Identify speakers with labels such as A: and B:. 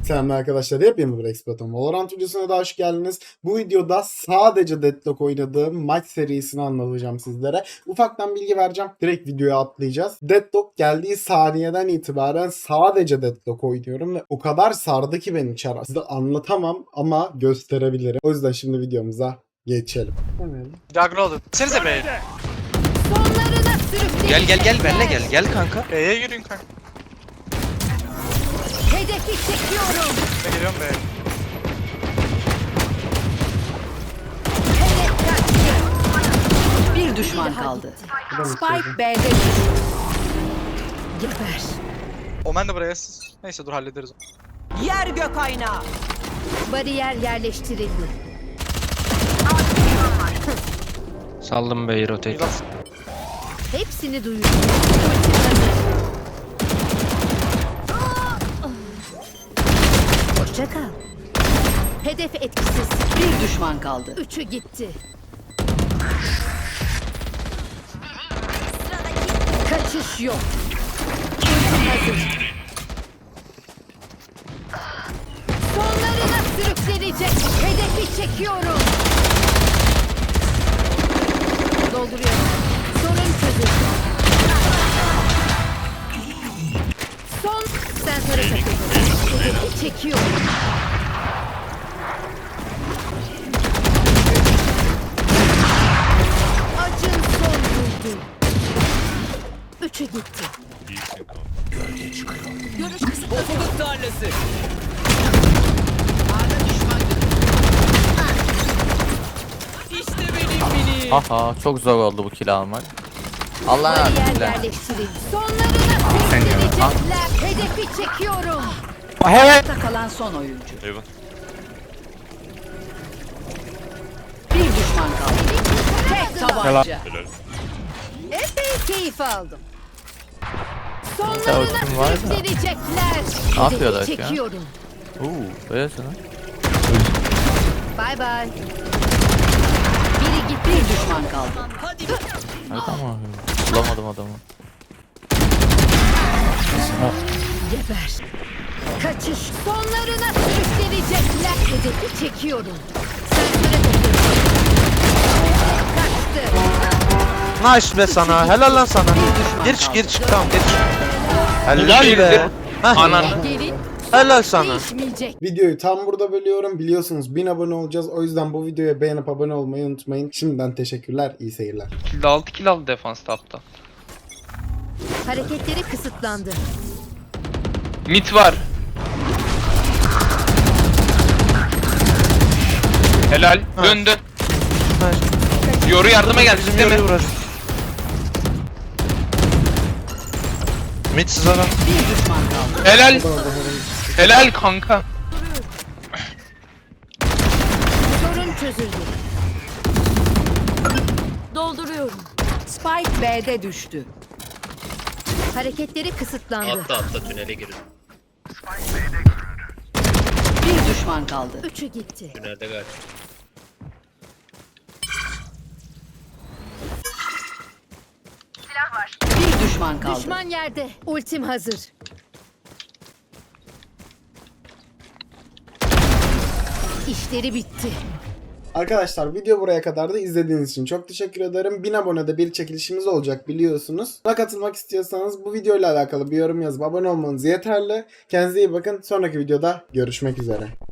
A: Selamlar arkadaşlar, hepiniz bir Expert'ım. Valorant videosuna da hoş geldiniz. Bu videoda sadece Deadlock oynadığım maç serisini anlatacağım sizlere. Ufaktan bilgi vereceğim. Direkt videoya atlayacağız. Deadlock geldiği saniyeden itibaren sadece Deadlock oynuyorum ve o kadar sardı ki beni çar. Size anlatamam ama gösterebilirim. O yüzden şimdi videomuza geçelim.
B: Juggernaut. Senize B'ye.
C: Sonlarına sürükleyin.
D: Gel benle gel kanka.
B: B'ye yürüyün kanka.
C: Hedefi çekiyorum.
B: Ben geliyorum B'ye.
C: Hedef kaçtı.
E: Bir düşman kaldı.
C: Spike B'de düştü. Geber.
B: Omen de buraya. Neyse dur hallederiz.
E: Yer gök aynağı.
C: Bariyer yerleştirildi.
D: Saldım B'yi rotate.
B: Milas.
C: Hepsini duyuyorum. Ultim hazır. Hoşça kal. Hedef etkisiz.
E: Bir düşman kaldı.
C: Üçü gitti. Kaçış yok. Ultim hazır. Sonlarına sürüklenecek. Hedefi çekiyorum. Dolduruyorum. Sorun çözüldü. Son sensöre takıldı. Hedefi çekiyorum. Acın son buldu. Üçü gitti. Görüş kısıtlı.
E: Ufuk tarlası. İşte benim mini.
F: Aha çok zor oldu bu kill almak. Allah'ın
C: Bariyer
F: adıyla.
C: yerleştirildi. Sonlarına sürüklenecekler. Hedefi çekiyorum.
E: Hayatta kalan son oyuncu. Bir düşman kaldı. Tek tabanca.
C: Epey keyif aldım.
F: Ultim
C: Sonlarına
F: var da.
C: sürüklenecekler.
F: Ne yapıyorlar
C: Hedefi
F: şu an?
C: çekiyorum.
F: Böylesin ha.
C: Bay bay. Biri gitti.
E: Bir düşman kaldı.
F: Hadi tamam. Bulamadım adamı.
C: Geber. Kaçış. Sonlarına sürüklenecekler. Hedefi çekiyorum. Sensöre takıyorum. Kaçtı.
D: Nice be sana. Helal lan sana. Gir çık tamam gir çık. Helal be. Ananı.
C: Gelin.
D: Helal sana.
C: Değişmeyecek.
A: Videoyu tam burada bölüyorum. Biliyorsunuz 1000 abone olacağız. O yüzden bu videoya beğenip abone olmayı unutmayın. Şimdiden teşekkürler. İyi seyirler.
D: 6 kill aldı defans tapta.
C: Hareketleri kısıtlandı.
D: Mid var. Helal. Döndü. Yoru yardıma geldi değil mi? Midsiz adam.
E: Bir düşman kaldı.
D: Helal. Helal kanka.
C: Sorun çözüldü. Dolduruyorum.
E: Spike B'de düştü.
C: Hareketleri kısıtlandı.
G: Atla tünele girin.
E: Bir düşman kaldı.
C: Üçü gitti.
G: Tünelde galiba.
E: Bir düşman kaldı.
C: Düşman yerde. Ultim hazır. İşleri bitti.
A: Arkadaşlar video buraya kadar da izlediğiniz için çok teşekkür ederim. 1000 abonede bir çekilişimiz olacak biliyorsunuz. Buna katılmak istiyorsanız bu videoyla alakalı bir yorum yazıp abone olmanız yeterli. Kendinize iyi bakın. Sonraki videoda görüşmek üzere.